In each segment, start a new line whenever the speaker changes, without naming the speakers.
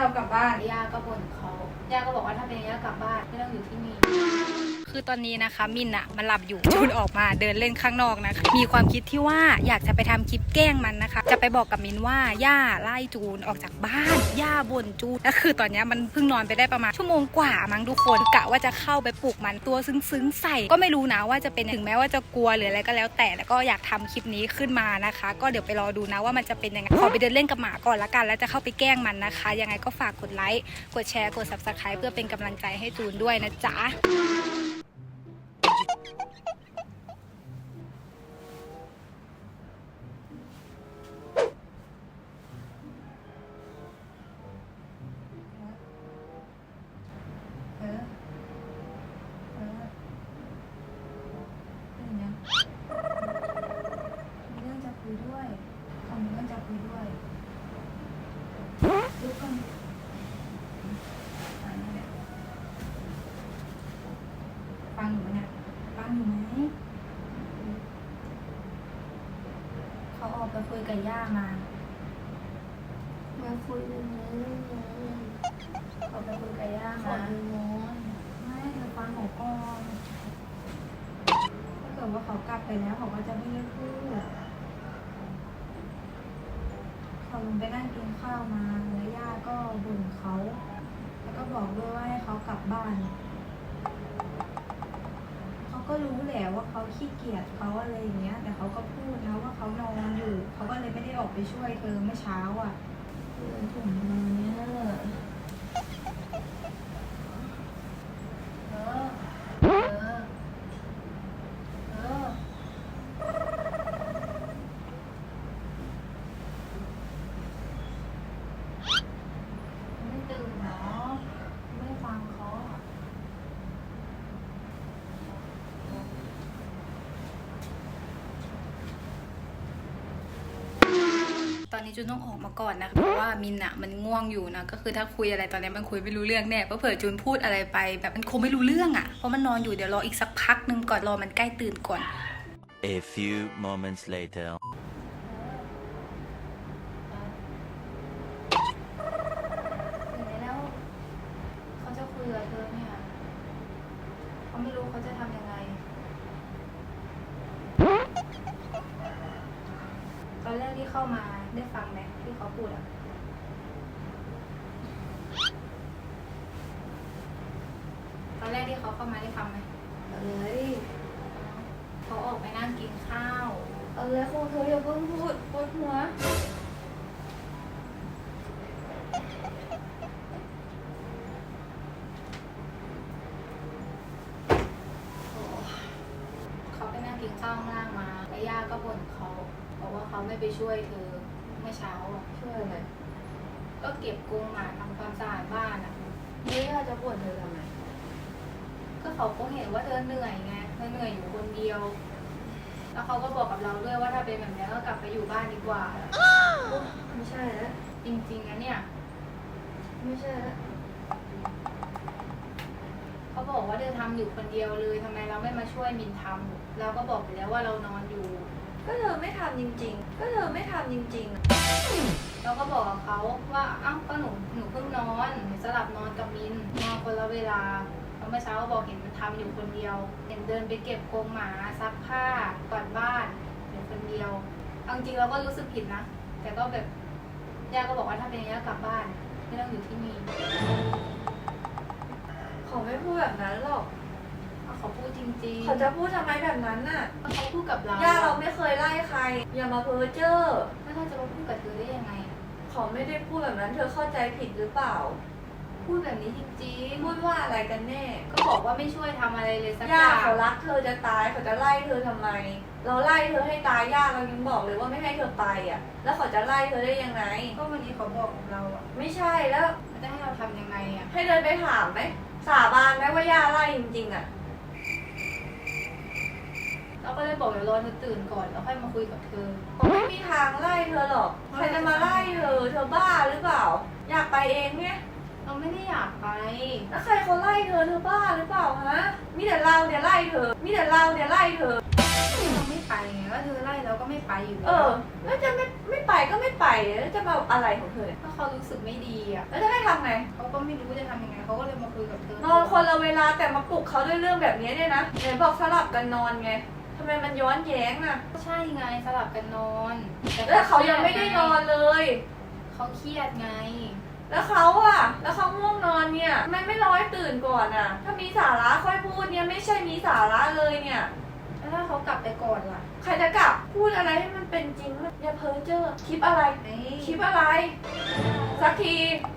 เรากลับบ้าน
ย่าก็บ่นเขาย่าก็บอกว่าถ้าเป็นย่ากลับบ้านไม่ต้องอยู่ที่นี่คือตอนนี้นะคะมินอะมันหลับอยู่จูนออกมาเดินเล่นข้างนอกนะคะมีความคิดที่ว่าอยากจะไปทำคลิปแกล้งมันนะคะจะไปบอกกับมินว่าย่าไล่จูนออกจากบ้านย่าบ่นจูนแล้วคือตอนนี้มันเพิ่งนอนไปได้ประมาณชั่วโมงกว่ามั้งทุกคนกะว่าจะเข้าไปปลุกมันตัวซึ้งๆใส่ก็ไม่รู้นะว่าจะเป็นถึงแม้ว่าจะกลัวหรืออะไรก็แล้วแต่แล้วก็อยากทำคลิปนี้ขึ้นมานะคะก็เดี๋ยวไปรอดูนะว่ามันจะเป็นยังไงขอไปเดินเล่นกับหมาก่อนละกันแล้วจะเข้าไปแกล้งมันนะคะยังไงก็ฝากกดไลค์กดแชร์กด Subscribe เพื่อเป็นกำลังใจให้จูนด้วยนะจ๊ะ
ลุกก่อนฟังอยู่ไหมเนี่ยฟังอยู่ไหมเขาออกไปคุยกับย่ามาคุยเรื่องนี้เขาไปคุยกับย่ามาไม่เธอฟังเขาก่อนถ้าเกิดว่าเขากลับไปแล้วเขาก็จะไม่ได้พูดเขาลงไปนั่งกินข้าวมาแล้วย่าก็บ่นเขาแล้วก็บอกด้วยว่าให้เขากลับบ้านเขาก็รู้แหละว่าเขาขี้เกียจเขาอะไรอย่างเงี้ยแต่เขาก็พูดนะว่าเขานอนอยู่เขาก็เลยไม่ได้ออกไปช่วยเธอเมื่อเช้าอ่ะถุงมือเนี่ยไม่ตื่นเนาะไม่ฟังเขา
ตอนนี้จูนต้องออกมาก่อนนะเพราะว่ามินอะมันง่วงอยู่นะก็คือถ้าคุยอะไรตอนนี้มันคุยไม่รู้เรื่องแน่เพราะเผื่อจูนพูดอะไรไปแบบมันคงไม่รู้เรื่องอะเพราะมันนอนอยู่เดี๋ยวรออีกสักพักนึงก่อนรอมันใกล้ตื่นก่อน
A few moments later.
แล้วเขาจะคุยกับเธอเนี่ยเขาไม่รู้เขาจะทำยังไงตอนแรกที่เข้ามาได้ฟังไหมที่เขาพูดอ่ะตอนแรกที่เขาเข้ามาได้ฟังไหมเขาออกไปนั่งกินข้าวคงเธออย่าเพิ่งพูดปวดหัวเขาไปนั่งกินข้าวข้างล่างมาแล้วย่าก็บ่นเขาบอกว่าเขาไม่ไปช่วยเธอเมื่อเช้าอ่ะช่วยอะไรก็เก็บกรงหมาทำความสะอาดบ้านอ่ะแล้วย่าจะบ่นเธอทำไมก็เขาคงเห็นว่าเธอเหนื่อยไงเธอเหนื่อยอยู่คนเดียวแล้วเขาก็บอกกับเราด้วยว่าถ้าเป็นแบบนี้ก็กลับไปอยู่บ้านดีกว่าไม่ใช่แล้วจริงๆนะเนี่ยไม่ใช่แล้วเขาบอกว่าเธอทำอยู่คนเดียวเลยทำไมเราไม่มาช่วยมินทำเราก็บอกไปแล้วว่าเรานอนอยู่
ก็เธอไม่ทำจริงๆ
เราก็บอกกับเขาว่าอ้าวก็หนูเพิ่งนอนหนูสลับนอนกับมินนอนคนละเวลาเมื่อเช้าก็บอกเห็นมันทำอยู่คนเดียวเห็นเดินไปเก็บกรงหมาซักผ้ากวาดบ้านอยู่คนเดียวเอาจริงเราก็รู้สึกผิดนะแต่ก็แบบย่าก็บอกว่าถ้าเป็นอย่างนี้กลับบ้านไม่ต้องอยู่ที่นี่
เขาไม่พูดแบบนั้นหรอก
เขาพูดจริงๆ
เขาจะพูดทำไมแบบนั้นน่ะ
เขาพูดกับเรา
ย่าเราไม่เคยไล่ใครอย่ามาเพ้อเจ้อ
แล้วเขาจะมาพูดกับเธอได้ยังไง
เขาไม่ได้พูดแบบนั้นเธอเข้าใจผิดหรือเปล่า
พูดแบบนี้จริง
ๆพูดว่าอะไรกันแน่
ก็บอกว่าไม่ช่วยทำอะไรเลยสัก
อย่างย่าเขารักเธอจะตายเขาจะไล่เธอทำไมเราไล่เธอให้ตายย่าเรายังบอกเลยว่าไม่ให้เธอไปอ่ะแล้วเขาจะไล่เธอได้ยังไง
ก็วันนี้เขาบอกกับเราอ่ะ
ไม่ใช่แล้ว
จะให้เราทำยังไงอ่ะ
ให้เดินไปถามไหมสาบานไหมว่าย่าไล่จริงๆอ่ะ
เราก็เลยบอกเดี๋ยวรอเธอตื่นก่อนแล้วค่อยมาคุยกับเธอ
ผมไม่มีทางไล่เธอหรอกใครจะมาไล่เธอบ้าหรือเปล่าอยากไปเองไง
เราไม่ได้อยากไป
แล้วใครเขาไล่เธอบ้าหรือเปล่าฮะมีแต่เราเนี่ยไล่เธอ
เราไม่ไปไงก็เธอไล่เราก็ไม่ไปอยู่
เออแล้วจะไม่ไปก็ไม่ไปแล้วจะมาอะไรของเธอเนี่ย
ถ้าเขารู้สึกไม่ดีอ่ะ
แล้วจะให้ทำไง
เขาก็ไม่รู้จะทำยังไงเขาก็เลยมาคุยกับเธอน
อนคนละเวลาแต่มาปลุกเขาด้วยเรื่องแบบนี้เนี่ยนะไหนบอกสลับกันนอนไงทำไมมันย้อนแย้งอ่ะ
ใช่ไงสลับกันนอน
แล้วเขายังไม่ได้นอนเลย
เขาเครียดไง
แล้วเขาง่วงนอนเนี่ยทำไมไม่รอให้ตื่นก่อนอ่ะ ถ้ามีสาระค่อยพูดเนี่ยไม่ใช่มีสาระเลยเนี่ย
แล้วถ้าเขากลับไปก่อนล่ะ
ใครจะกลับพูดอะไรให้มันเป็นจริงอย่าเพ้อเจ้อคลิปอะไร คลิปอะไร สักที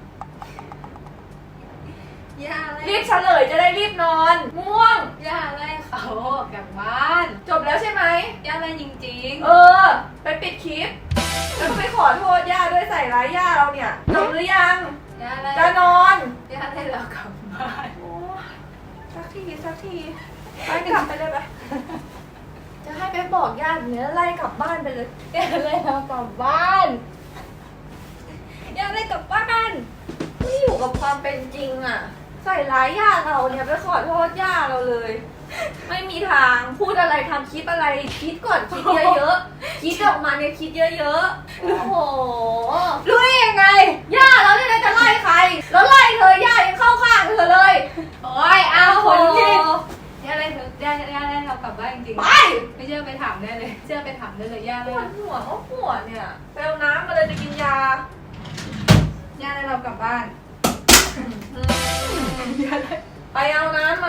ย่าอะไร
รีบเฉลยจะได้รีบนอน ม่วง
ย่าอะไรเขาออกจากบ้าน
จบแล้วใช่ไหม
ย่าอะไรจริง
เออ ไปปิดคลิป แล้วก็ไปขอโทษย่าด้วยใส่ร้ายย่าเราเนี่ยจบหรือยัง
ๆย่าอะไร
จะนอน
ย่าอะไรเรากลับบ้าน
โอ้สักทีไปกลับไปเลยไปจะให้ไปบอกญาติเนี่ยไล่กลับบ้านไปเลย
ย่าอะไรเรากลับบ้านย่าอะไรกลับบ้าน
ไม่อยู่กับความเป็นจริงอ่ะ ใส่ร้ายญาติเราเนี่ยไปขอโทษญาติเราเลย ไม่มีทางพูดอะไรทำคลิปอะไรคิดก่อนคิดเยอะๆคิดออกมาเนี่ยคิดเยอะๆโอ้โห
รู้ได้ยังไง
ย่าเราเนี่ยนะจะไล่ใคร แล้วไล่เธอย่ายังเข้าข้างเธอเลย
โอ้ยเอาคนผิดย่าอะไรเธอย่าอะไรเรากลับบ้านจริง
ไป
ๆไม่เชื่อไปถามได้เลยเชื่อไปถามได้เลยย่าอะ
ป
ไร
วดหัวก็ปวดเนี่ยไปเอาน้ำมาเลยจะกินยา
ย่าอะไรเรากลับบ้านย่าอะไร
ไปเอาน้ำมา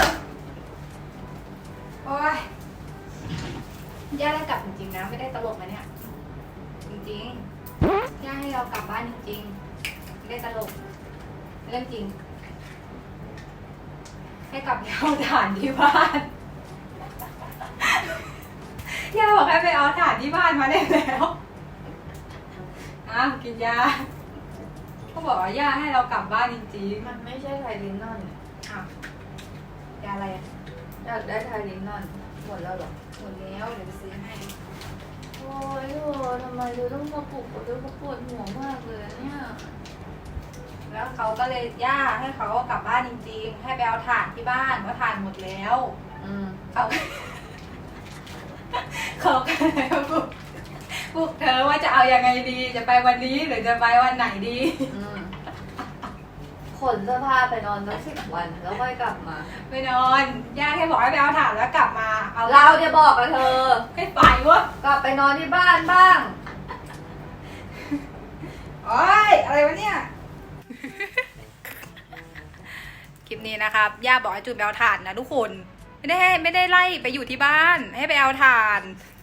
โอ้ยย่าได้กลับจริงๆนะไม่ได้ตลกนะเนี่ยจริงๆย่าให้เรากลับบ้านจริงๆไม่ได้ตลกเรื่องจริง ให้กลับไปเอาถ่านที่บ้านย่าบอกให้ไปเอาถ่านที่บ้านมาได้แล้วอ้าวกินยาเขาบอกว่าย่าให้เรากลับบ้านจริง
มันไม่ใช่ไทลินนอนเนี่ย
ๆอ้าว ยาอะไรอ่ะ
อยากได้ไทลินนอนหมดแล้วเหรอ
หมดแล้วเดี๋ยวไปซื้อให้
โอ้ยโอ้ทำไมเธอต้องมาปลุกเขาด้วยเขาปวดหัวมากเลยเนี่ย
แล้วเขาก็เลยย่าให้เขากลับบ้านจริงๆ ให้ไปเอาถ่านที่บ้านว่าถ่านหมดแล้ว เขาเขาก็เลยปลุกเธอว่าจะเอายังไงดี จะไปวันนี้หรือจะไปวันไหนดี
ขนเสื้อผ้าไปนอนตั้ง10 วันแล้วค่อยกลับมา
ไปนอนย่าแค่บอกให้ไปเอาถ่านแล้วกลับมา เอา
เราจะบอกกับเธอ
ให้ไปวะ
กลับไปนอนที่บ้านบ้าง
โอ้ยอะไรวะเนี่ย คลิปนี้นะครับ ย่าบอกให้จุดไปเอาถ่านนะทุกคน ไม่ได้ไล่ไปอยู่ที่บ้าน ให้ไปเอาถ่าน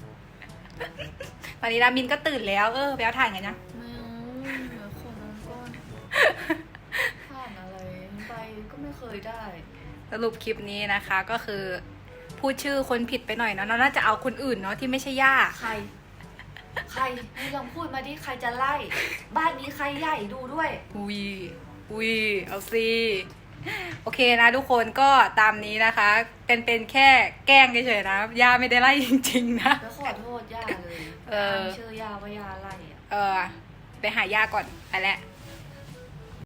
ตอนนี้รามินก็ตื่นแล้ว ไปเอาถ่านกันนะ
ไม่เอาเดี๋ยวขอนอนก่อนผ่านอะไรไปก็ไม่เคยได้
สรุปคลิปนี้นะคะก็คือพูดชื่อคนผิดไปหน่อยเนาะน่าจะเอาคนอื่นเนาะที่ไม่ใช่ย่า
ใครให้ลองพูดมาดิใครจะไล่ บ้านนี้ใครใหญ่ดูด้วย
อุ้ยเอาสิโอเคนะทุกคนก็ตามนี้นะคะ เป็นแค่แกล้งเฉยๆนะย่าไม่ได้ไล่จริงๆนะ
แล้วขอโทษย่าเลย
เออ
เชื่อย่าว่าย่าไล่อะ
ไปหาย่าก่อนไปแล้ว